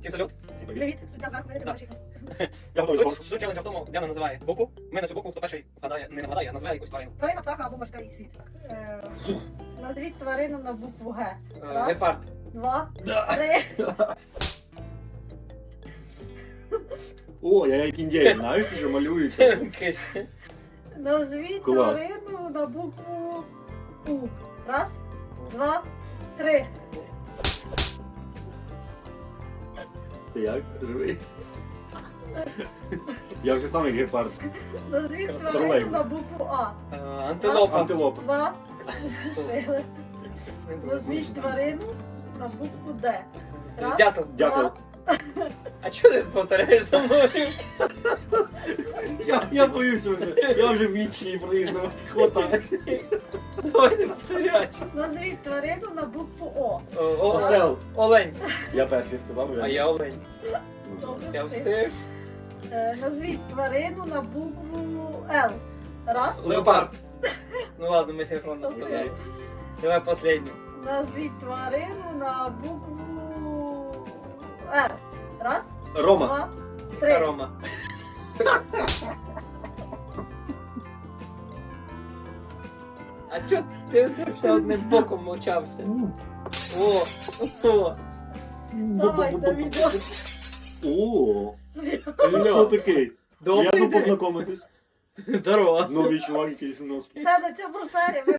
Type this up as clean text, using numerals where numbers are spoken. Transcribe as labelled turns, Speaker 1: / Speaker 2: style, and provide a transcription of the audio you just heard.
Speaker 1: Всім салют.
Speaker 2: Привіт, суддя зверху, я тебе бачу.
Speaker 3: Я готовий.
Speaker 1: Суть челенджа в тому, Діана називає букву. Ми на цю букву, хто перший вгадає, не вгадає, а називає якусь тварину.
Speaker 2: Тварина, птаха або морський світ. Назвіть тварину на букву Г. Раз.
Speaker 1: Гепард.
Speaker 2: 2,
Speaker 3: Да.
Speaker 2: 3.
Speaker 3: О, я як індієць, знаєш, що малюється.
Speaker 1: Кись.
Speaker 2: Назвіть
Speaker 3: Клас.
Speaker 2: тварину на букву У. Раз, 2, 3.
Speaker 3: Ти як? Живий? Я вже сам як гепард.
Speaker 2: Назвіть тварину
Speaker 3: Тролейбус.
Speaker 2: на букву А.
Speaker 1: Антилопа.
Speaker 3: Антилопа.
Speaker 2: 2. Назвіть тварину на букву Д. Раз,
Speaker 1: Дятел.
Speaker 3: Дякую.
Speaker 2: два.
Speaker 1: А чого ти повторяєш за мною?
Speaker 3: Я боюся вже. Я вже вічний проїжджав. Хватає.
Speaker 1: Давай не повторяй.
Speaker 2: Назвіть тварину на букву О.
Speaker 3: Осел.
Speaker 1: Олень.
Speaker 3: Я перший сказав.
Speaker 1: А я олень. Я встиг.
Speaker 2: Назвіть тварину на букву Л. Раз.
Speaker 1: Леопард. Ну ладно, ми синхронно сказали. Давай последню.
Speaker 2: Назвіть тварину на букву Р. Раз,
Speaker 3: Рома.
Speaker 2: 2, 3.
Speaker 1: Рома. А чо ти все одним боком мовчався? О, о.
Speaker 2: Давай, Давідо.
Speaker 3: О, хто такий?
Speaker 1: Добрий
Speaker 3: Приємно
Speaker 1: день.
Speaker 3: познайомитись.
Speaker 1: Здорово.
Speaker 3: Новий чувак якийсь у нас.
Speaker 2: Все на цьому серії.